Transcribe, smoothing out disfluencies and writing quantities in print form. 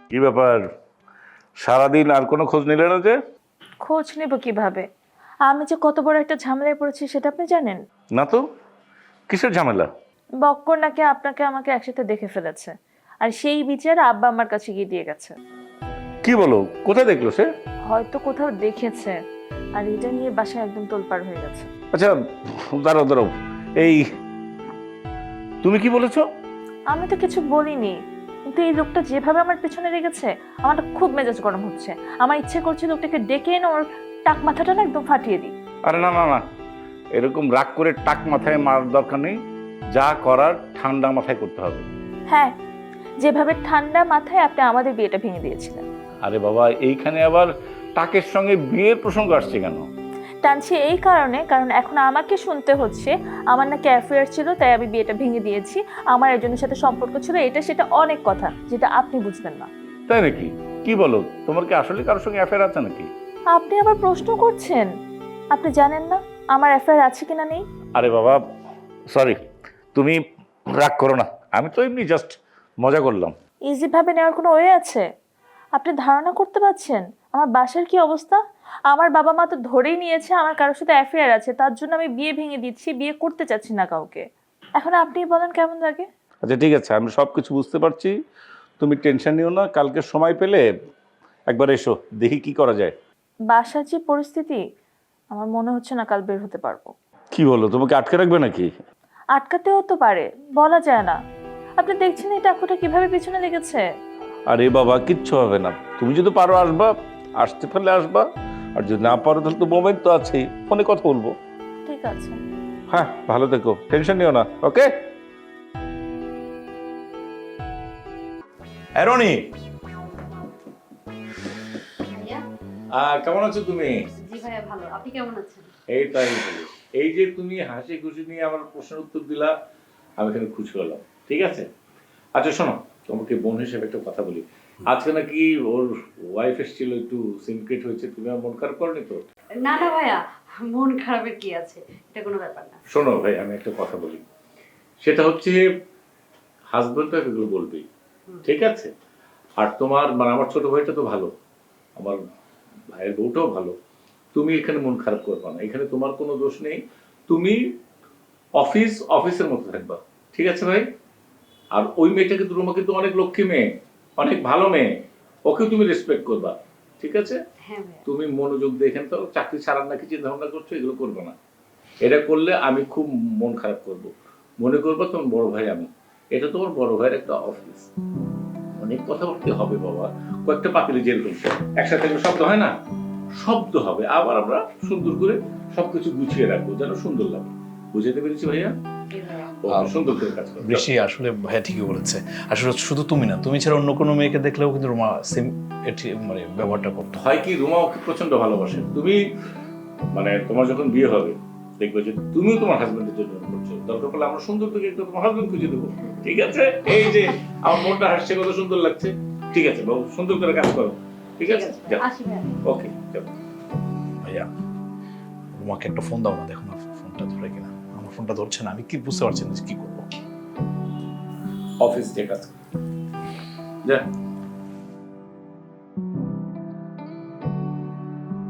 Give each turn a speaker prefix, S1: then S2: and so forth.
S1: কি ব্যাপার, সারাদিন আর কোনো খোঁজ নিলে না যে?
S2: খোঁজ নেব কিভাবে? আমি যে কত বড় একটা ঝামেলায় পড়েছি সেটা আপনি জানেন?
S1: না তো, কিসের ঝামেলা?
S2: বক্কর নাকি আপনাকে আমাকে একসাথে দেখে ফেলেছে, আর সেই বিচার আব্বা আমার কাছে গিয়ে দিয়ে গেছে।
S1: কি বলো, কোথায় দেখলো সে?
S2: হয়তো কোথাও দেখেছে, আর এটা নিয়ে বাসায় একদম তোলপাড় হয়ে গেছে।
S1: আচ্ছা, দাঁড়াও দাঁড়াও, এই তুমি কি বলেছো?
S2: আমি তো কিছু বলিনি, কিন্তু এই লোকটা যেভাবে আমার পেছনে লেগেছে আমার খুব মেজাজ গরম হচ্ছে। আমার ইচ্ছে করছে লোকটাকে ডেকে এনে ওর টাক মাথাটা না একদম ফাটিয়ে দিই।
S1: আরে না না না, এরকম রাগ করে টাক মাথায় মারার দরকার নেই। যা করার ঠান্ডা মাথায় করতে হবে।
S2: হ্যাঁ, যেভাবে ঠান্ডা মাথায় আপনি আমাদের বিয়েটা ভেঙে দিয়েছিলেন।
S1: আরে বাবা, এইখানে আবার টাকের সঙ্গে বিয়ের প্রসঙ্গ আসছে কেন?
S2: টানছি এই কারণে, কারণ এখন আমাকে শুনতে হচ্ছে আমার নাকি অ্যাফেয়ার ছিল তাই আমি বিয়েটা ভেঙে দিয়েছি, আমার একজনের সাথে সম্পর্ক ছিল, এটা সেটা অনেক কথা যেটা আপনি বুঝবেন না।
S1: তাই নাকি? কি বলো, তোমার কি আসলে কারোর সঙ্গে অ্যাফেয়ার আছে নাকি?
S2: আপনি আবার প্রশ্ন করছেন? আপনি জানেন না আমার অ্যাফেয়ার আছে কিনা নেই?
S1: আরে বাবা, সরি, তুমি রাগ করো না, আমি তো এমনি জাস্ট মজা করলাম।
S2: ইজি ভাবে নেওয়ার কোনো ওয়ে আছে? আপনি ধারণা করতে পারছেন আমার বাসার কি অবস্থা? আমার বাবা মা তো ধরেই নিয়েছে আমার কারোর সাথে অ্যাফেয়ার আছে, তার জন্য আমি বিয়ে ভেঙে দিচ্ছি, বিয়ে করতে চাচ্ছি না কাউকে। এখন আপনি বলেন কেমন লাগে?
S1: আচ্ছা ঠিক আছে, আমি সব কিছু বুঝতে পারছি, তুমি টেনশন নিও না, কালকে সময় পেলে একবার এসো, দেখি কি করা যায়।
S2: বাসার যে পরিস্থিতি, আমার মনে হচ্ছে না কাল বের হতে পারবো।
S1: কি বলো, তোমাকে আটকে রাখবে নাকি?
S2: আটকাতেও তো পারে, বলা যায় না। আপনি দেখছেন এই টাকুটা কিভাবে পিছনে লেগেছে।
S1: আরে বাবা, কিচ্ছু হবে না, তুমি যদি পারো আসবা, আসতে পারলে আসবা, আর যদি না পারো তাহলে তো মোবাইল তো আছেই, ফোনে কথা বলবো।
S2: ঠিক আছে।
S1: হ্যাঁ, ভালো থেকো, টেনশন নিও না, ওকে? অ্যারনি,
S3: ভাইয়া।
S1: কেমন আছো তুমি?
S3: জি ভাইয়া ভালো, আপনি কেমন আছেন?
S1: এই তাই, এই যে তুমি হাসি খুশি নিয়ে আমার প্রশ্নের উত্তর দিলা, আমি এখানে খুশি হলাম। ঠিক আছে, আচ্ছা শোনো, তোমাকে বোন হিসেবে একটা কথা বলি। আজকে নাকি ওর ওয়াইফ এসেছিল, একটু সিনক্রেট হয়েছে, তুমি আর মন খারাপ করনি তো?
S3: না না ভাইয়া, মন খারাপের কি আছে, এটা কোনো ব্যাপার না।
S1: শোনো ভাই, আমি একটা কথা বলি, সেটা হচ্ছে হাজবেন্ড তো এগুলো বলবেই, ঠিক আছে? আর তোমার মানে আমার ছোট ভাইটা তো ভালো, আমার ভাইয়ের বউটাও ভালো, তুমি এখানে মন খারাপ করবা না, এখানে তোমার কোনো দোষ নেই। তুমি অফিসের মতো থাকবা, ঠিক আছে ভাই? আর ওই মেয়েটা কিন্তু রুমা কিন্তু অনেক লক্ষ্মী মেয়ে, অনেক ভালো মেয়ে, ওকে তুমি রেসপেক্ট করবা, ঠিক আছে?
S3: হ্যাঁ ভাইয়া।
S1: তুমি মনোযোগ দিয়ে এখানে তো চাকরি ছাড়ার নাকি চিন্তা ভাবনা করছো, এগুলো করবো না। এটা করলে আমি খুব মন খারাপ করব, মনে করবো তোমার বড় ভাই আমি, এটা তোমার বড় ভাইয়ের একটা অফিস, অনেক কথাবার্তা হবে বাবা, কয়েকটা পাতিলে যেরকম একসাথে একটা শব্দ হয় না, শব্দ হবে, আবার আমরা সুন্দর করে সবকিছু গুছিয়ে রাখবো যেন সুন্দর লাগে। বুঝাতে পেরেছি ভাইয়া?
S3: জি ভাইয়া।
S1: ও, সুন্দর করে কাজ করবে।
S4: বৃষ্টি আসলে ভাইয়া ঠিকই বলেছে। আসলে শুধু তুমি না, তুমি ছাড়া অন্য কোনো মেয়েকে দেখলেও কিন্তু রোমা সেম মানে ব্যবহারটা করতো।
S1: হয় কি, রুমা ওকে প্রচন্ড ভালোবাসে, তুমি মানে তোমার যখন বিয়ে হবে দেখবে যে তুমিও তোমার হাজবেন্ডের জন্য করছো, দরকার পড়লে আমরা সুন্দর থেকে একটা তোমার হাজবেন্ড খুঁজে দেবো, ঠিক আছে? এই যে আমার মনটা হাসছে, কত সুন্দর লাগছে। ঠিক আছে বাবু, সুন্দর করে কাজ করো, ঠিক আছে? যাও,
S3: আসি ভাইয়া।
S1: ওকে, যাও।
S4: ভাইয়া রোমাকে একটা ফোন দাও না, দেখো না ফোনটা ধরে কিনা। আমার ফোনটা ধরছে না, আমি কি বুঝতে পারছি না যে কি করবো।
S1: অফিস থেকে কাজ করো। যা।